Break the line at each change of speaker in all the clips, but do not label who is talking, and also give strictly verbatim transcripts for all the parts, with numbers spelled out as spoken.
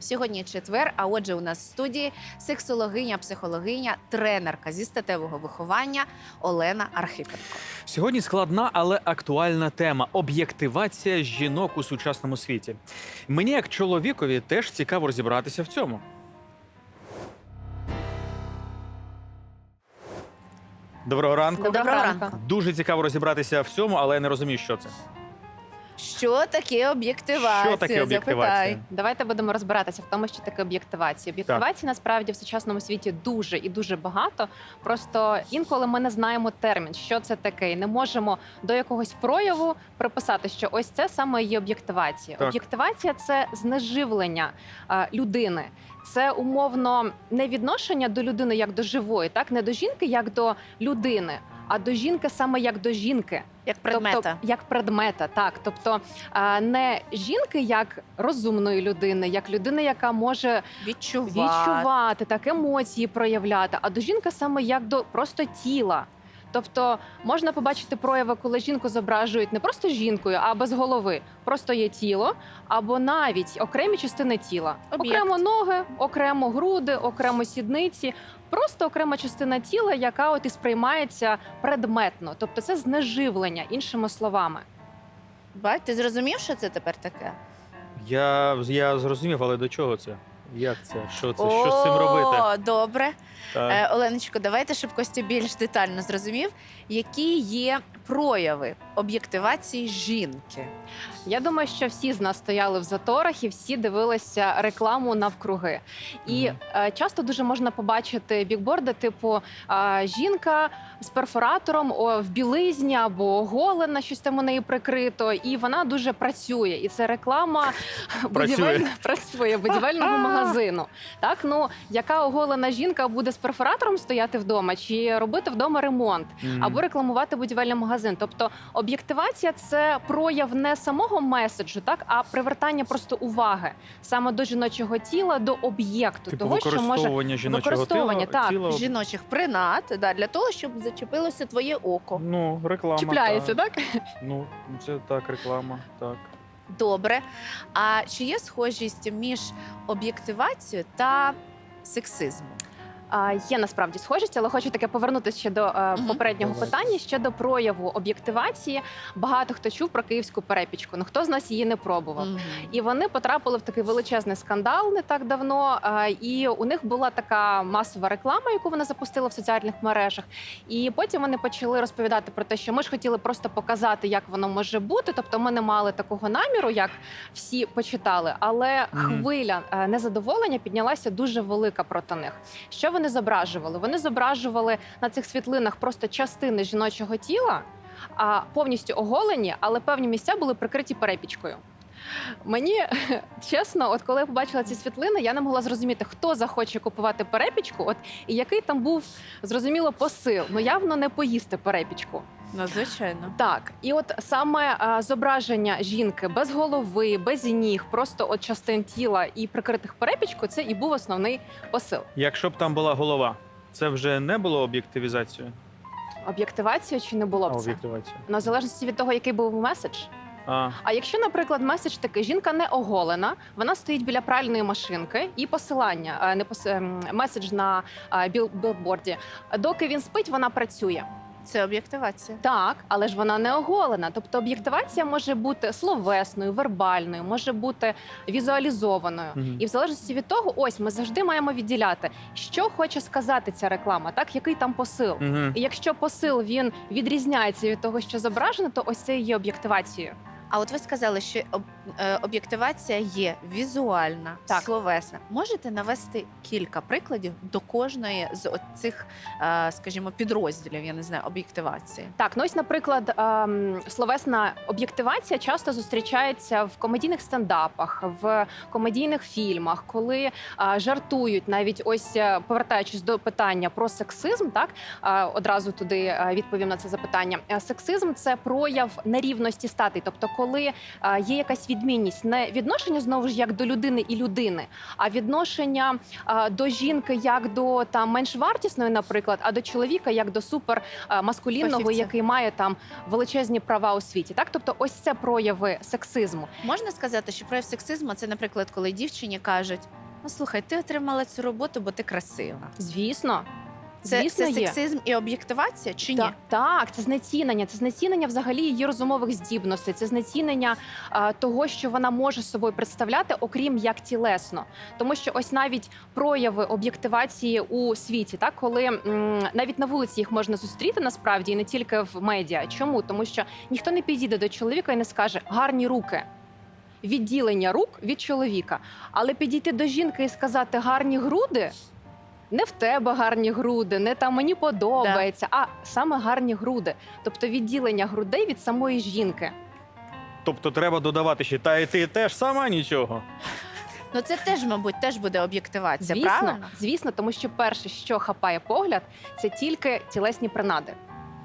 Сьогодні четвер, а отже у нас в студії сексологиня, психологиня, тренерка зі статевого виховання Олена Архипенко.
Сьогодні складна, але актуальна тема – об'єктивація жінок у сучасному світі. Мені, як чоловікові, теж цікаво розібратися в цьому. Доброго ранку.
Доброго ранку.
Дуже цікаво розібратися в цьому, але я не розумію, що це.
Що таке об'єктивація?
Що таке об'єктивація?
Запитай.
Давайте будемо розбиратися в тому, що таке об'єктивація. Об'єктивації насправді в сучасному світі дуже і дуже багато. Просто інколи ми не знаємо термін, що це таке, і не можемо до якогось прояву приписати, що ось це саме є об'єктивація.
Так.
Об'єктивація це знеживлення а, людини. Це умовно не відношення до людини як до живої, так не до жінки як до людини, а до жінки саме як до жінки.
Як предмета.
Тобто, як предмета, так. Тобто а, не жінки як розумної людини, як людини, яка може
Відчувати.
відчувати, так, емоції проявляти, а до жінки саме як до просто тіла. Тобто можна побачити прояви, коли жінку зображують не просто жінкою, а без голови. Просто є тіло, або навіть окремі частини тіла.
Об'єкт.
Окремо ноги, окремо груди, окремо сідниці. Просто окрема частина тіла, яка от і сприймається предметно. Тобто це знеживлення, іншими словами.
Бать, ти зрозумів, що це тепер таке?
Я, я зрозумів, але до чого це? Як це? Що це? Що з цим робити?
О, добре.
Так.
Е, Оленочко, давайте, щоб Костя більш детально зрозумів, які є прояви об'єктивації жінки.
Я думаю, що всі з нас стояли в заторах і всі дивилися рекламу навкруги. І
Мгм.
е, часто дуже можна побачити бікборди, типу е, жінка з перфоратором о, в білизні або оголена, щось там у неї прикрито, і вона дуже працює. І це реклама будівель... працює будівельного магазину. Так, ну яка оголена жінка буде з перфоратором стояти вдома, чи робити вдома ремонт,
Мгм.
або рекламувати будівельний магазин. Тобто об'єктивація – це прояв не самого меседжу, так, а привертання просто уваги саме до жіночого тіла, до об'єкту,
Типу
того, що може
використовування жіночого
використовування,
тіла,
так.
тіла.
Жіночих принад, да, для того, щоб зачепилося твоє око.
Ну, реклама.
чіпляється,
так.
так?
Ну, це так, реклама, так.
Добре. А чи є схожість між об'єктивацією та сексизмом?
А, Є насправді схожість, але хочу таке повернутися ще до е,
Мгм.
попереднього
Давай.
питання щодо прояву об'єктивації. Багато хто чув про київську перепічку, ну хто з нас її не пробував.
Мгм.
І вони потрапили в такий величезний скандал не так давно. а, І у них була така масова реклама, яку вони запустили в соціальних мережах. І потім вони почали розповідати про те, що ми ж хотіли просто показати, як воно може бути. Тобто ми не мали такого наміру, як всі почитали. Але
Мгм.
хвиля е, незадоволення піднялася дуже велика проти них. Що вони зображували? Вони зображували на цих світлинах просто частини жіночого тіла, а повністю оголені, але певні місця були прикриті перепічкою. Мені чесно, от коли я побачила ці світлини, я не могла зрозуміти, хто захоче купувати перепічку, от і який там був зрозуміло посил. Ну явно не поїсти перепічку.
Ну, звичайно.
Так, і от саме а, зображення жінки без голови, без ніг, просто от частин тіла і прикритих перепічкою, це і був основний посил.
Якщо б там була голова, це вже не було об'єктивізацією?
Об'єктивація чи не було
А,
б це?
об'єктивація.
На залежності від того, який був меседж.
А,
А якщо, наприклад, меседж такий, жінка не оголена, вона стоїть біля пральної машинки і посилання, а, не пос... ем, меседж на а, біл... білборді. Доки він спить, вона працює.
Це об'єктивація.
Так, але ж вона не оголена. Тобто об'єктивація може бути словесною, вербальною, може бути візуалізованою.
Мгм.
І в залежності від того, ось ми завжди маємо відділяти, що хоче сказати ця реклама, так, який там посил.
угу.
І якщо посил він відрізняється від того, що зображено, то ось це і є об'єктивацією.
А от ви сказали, що об- е, об'єктивація є візуальна,
Так.
словесна. Можете навести кілька прикладів до кожної з цих, скажімо, підрозділів, я не знаю, об'єктивації?
Так, ну ось, наприклад, ем, словесна об'єктивація часто зустрічається в комедійних стендапах, в комедійних фільмах, коли е, жартують, навіть ось е, повертаючись до питання про сексизм, так е, одразу туди е, відповім на це запитання. Е, Сексизм це прояв нерівності статей, тобто, коли е, є якась відмінність не відношення знову ж як до людини і людини, а відношення а, до жінки як до там меншвартісної, наприклад, а до чоловіка як до супермаскулінного,
Фахівця.
який має там величезні права у світі. Так, тобто, ось це прояви сексизму.
Можна сказати, що прояв сексизму це, наприклад, коли дівчині кажуть: ну слухай, ти отримала цю роботу, бо ти красива.
Звісно,
Це,
звісно,
це
є.
сексизм і об'єктивація чи ні?
Та- так, це знецінення. Це знецінення взагалі її розумових здібностей. Це знецінення а, того, що вона може собою представляти, окрім як тілесно. Тому що ось навіть прояви об'єктивації у світі, так коли м, навіть на вулиці їх можна зустріти насправді, і не тільки в медіа. Чому? Тому що ніхто не підійде до чоловіка і не скаже гарні руки. Відділення рук від чоловіка. Але підійти до жінки і сказати гарні груди. Не в тебе гарні груди, не там мені подобається, а саме гарні груди. Тобто відділення грудей від самої жінки.
Тобто треба додавати ще, та і ти теж сама нічого.
Ну це теж, мабуть, теж буде об'єктивація,
Звісно,
правильно?
звісно, тому що перше, що хапає погляд, це тільки тілесні принади.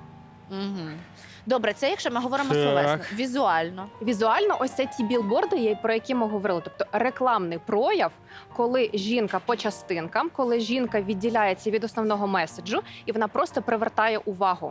Угу. Добре, це якщо ми говоримо
Так.
словесно, візуально.
Візуально, ось це ті білборди, є- про які ми говорили. Тобто рекламний прояв, коли жінка по частинкам, коли жінка відділяється від основного меседжу, і вона просто привертає увагу.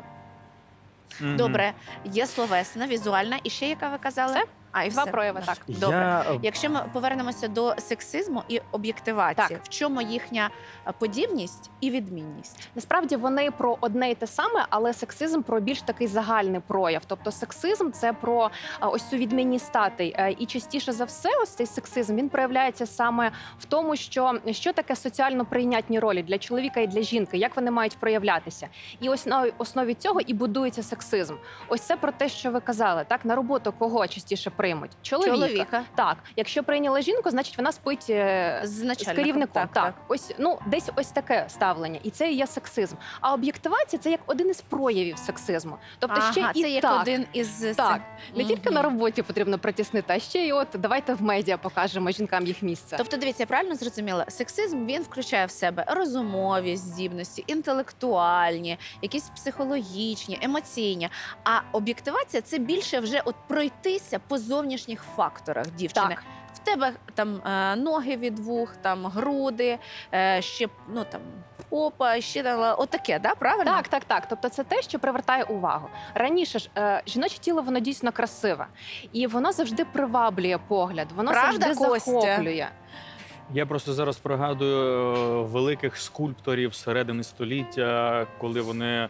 Мгм.
Добре, є словесна, візуальна і ще яка ви казали?
Все.
А, і
Два
все.
прояви, так.
Добре.
Я... е,
Якщо ми повернемося до сексизму і об'єктивації,
Так.
в чому їхня е, подібність і відмінність?
Насправді вони про одне і те саме, але сексизм про більш такий загальний прояв. Тобто сексизм це про а, ось цю відмінність статей. Е, І частіше за все, ось цей сексизм він проявляється саме в тому, що що таке соціально прийнятні ролі для чоловіка і для жінки, як вони мають проявлятися. І ось на основі цього і будується сексизм. Ось це про те, що ви казали, так на роботу кого частіше приймуть? Чоловіка.
Чоловіка.
Так, якщо прийняли жінку, значить вона спить е,
З
з
начальником.
керівником.
Так,
Так,
так.
ось ну десь ось таке ставлення, і це і є сексизм. А об'єктивація це як один із проявів сексизму. Тобто
Ага,
ще і
це як
так.
один із
Так, не
Мгм.
тільки на роботі потрібно притіснити, а ще й от давайте в медіа покажемо жінкам їх місце.
Тобто, дивіться, я правильно зрозуміла, сексизм він включає в себе розумові здібності, інтелектуальні, якісь психологічні, емоційні. А об'єктивація це більше вже от пройтися по зовнішніх факторах дівчини.
Так.
В тебе там е, ноги від вух, там груди, е, ще ну там попа, ще там, отаке, да? Правильно?
Так, так, так. Тобто це те, що привертає увагу. Раніше ж е, жіноче тіло воно дійсно красиве, і воно завжди приваблює погляд, воно
Правда,
завжди
Костя?
захоплює.
Я просто зараз пригадую е, великих скульпторів середини століття, коли вони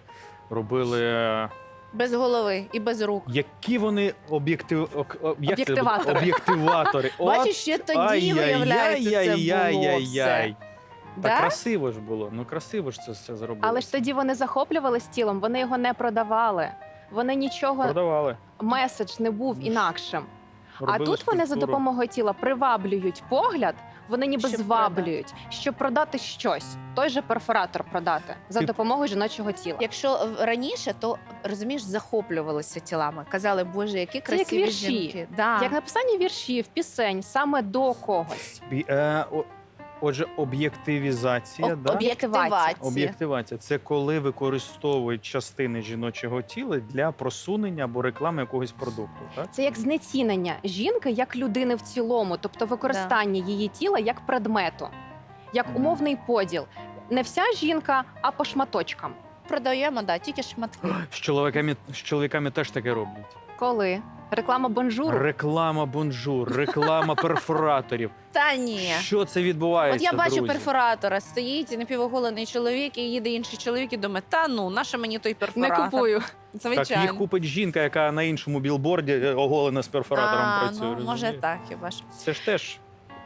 робили.
Без голови і без рук.
Які вони об'єктив... ок- о- як це буде?
Об'єктиватори.
Об'єктиватори.
Бачиш, ще тоді, виявляється, це було все.
Та
Да?
красиво ж було. Ну красиво ж це все зробили.
Але ж тоді вони захоплювались тілом, вони його не продавали. Вони нічого,
продавали.
меседж не був інакшим. А
Робили
тут вони за
скульптуру.
допомогою тіла приваблюють погляд, вони ніби
Щоб
зваблюють, щоб продати щось. Той же перфоратор продати за
Ти-
допомогою жіночого тіла.
Якщо е, раніше, то розумієш, захоплювалися тілами. Казали, боже, які
Це як
красиві
вірші.
жінки. Да.
Як написання віршів, пісень саме до когось.
Бі- е, о- Отже, об'єктивізація,
Об-
да?
Об'єктивація.
Об'єктивація це коли використовують частини жіночого тіла для просунення або реклами якогось продукту. Так?
Це як знецінення жінки як людини в цілому, тобто використання її тіла як предмету, як
Мгм.
умовний поділ. Не вся жінка, а по шматочкам.
Продаємо, да, тільки шматки.
З чоловіками, з чоловіками теж таке роблять.
Коли? Реклама бонжуру.
Реклама бонжур, реклама перфораторів.
Та ні.
Що це відбувається?
От я бачу
друзі?
перфоратора, стоїть напівоголений чоловік, і їде інший чоловік і думає, та ну, наша мені той
Не
перфоратор.
купую.
Звичайно.
Так їх купить жінка, яка на іншому білборді е, оголена з перфоратором
а,
працює.
ну, може
розумієте?
так, хіба ж.
Це ж теж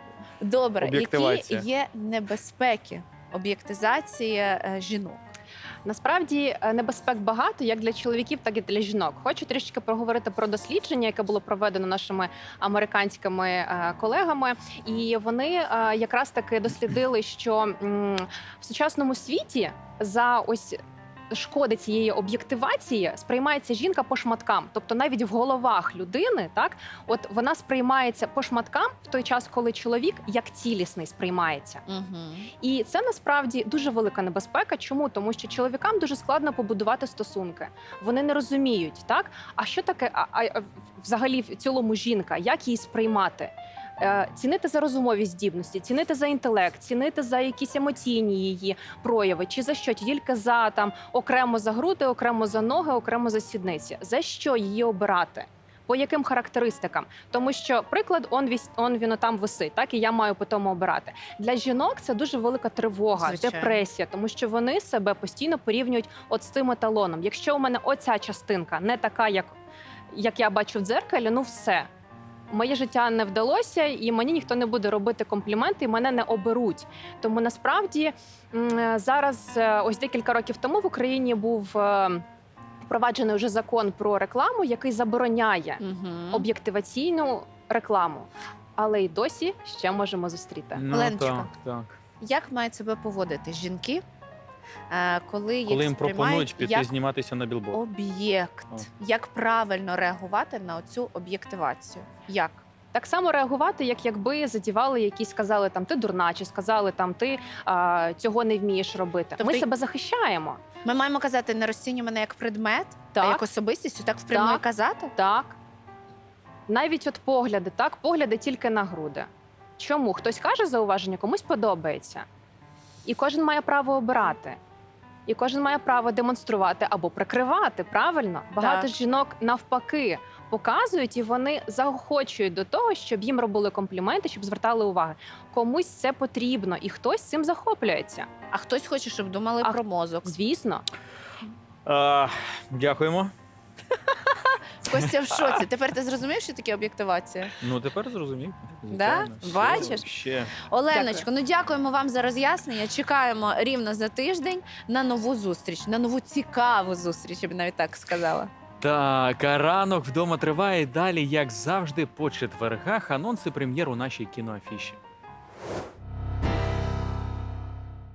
Добре, які
Об'єктивація.
є небезпеки об'єктизації е, жінок?
Насправді е, небезпек багато як для чоловіків, так і для жінок. Хочу трішки проговорити про дослідження, яке було проведено нашими американськими е, колегами. І вони е, якраз таки дослідили, що м, в сучасному світі за ось шкоди цієї об'єктивації сприймається жінка по шматкам. Тобто навіть в головах людини, так, от вона сприймається по шматкам в той час, коли чоловік як цілісний сприймається.
Угу.
І це насправді дуже велика небезпека. Чому? Тому що чоловікам дуже складно побудувати стосунки. Вони не розуміють, так? А що таке а, а, взагалі в цілому жінка? Як її сприймати? Е, Цінити за розумові здібності, цінити за інтелект, цінити за якісь емоційні її прояви, чи за що? Тільки за там окремо за груди, окремо за ноги, окремо за сідниці. За що її обирати? По яким характеристикам? Тому що приклад, он, вісь- он він там висить, так, і я маю по тому обирати. Для жінок це дуже велика тривога,
Звичайно.
депресія, тому що вони себе постійно порівнюють от з тим еталоном. Якщо у мене оця частинка не така, як, як я бачу в дзеркалі, ну все. Моє життя не вдалося, і мені ніхто не буде робити компліменти, і мене не оберуть. Тому насправді м, зараз, е, ось декілька років тому в Україні був е, впроваджений вже закон про рекламу, який забороняє
Угу.
об'єктиваційну рекламу. Але й досі ще можемо зустріти.
Ну,
Оленочка.
так, так.
Як мають себе поводити жінки, е, коли їх
Коли їм
сприймають
пропонують піти
як
зніматися на білборд.
об'єкт?
О.
Як правильно реагувати на цю об'єктивацію? Як?
Так само реагувати, як якби задівали якісь, сказали там ти дурна, чи сказали там ти а, цього не вмієш робити.
Тобто
Ми
й-
себе захищаємо.
Ми маємо казати, не розцінюй мене як предмет, а
Так.
як особистість, так впрямую
Так.
казати?
Так. Навіть от погляди, так, погляди тільки на груди. Чому? Хтось каже зауваження, комусь подобається. І кожен має право обирати. І кожен має право демонструвати або прикривати, правильно? Багато
Так.
жінок навпаки показують, і вони заохочують до того, щоб їм робили компліменти, щоб звертали увагу. Комусь це потрібно, і хтось цим захоплюється.
А хтось хоче, щоб думали
А
про мозок.
Звісно.
А, дякуємо.
Костя в шоці. Тепер ти зрозумів, що таке об'єктивація?
Ну тепер зрозумів.
Да?
Звичайно. Ще-
Бачиш?
Ще.
Оленочко, ну дякуємо вам за роз'яснення. Чекаємо рівно за тиждень на нову зустріч, на нову цікаву зустріч, я б навіть так сказала.
Так, а ранок вдома триває далі, як завжди, по четвергах. Анонси прем'єр у нашій кіноафіші.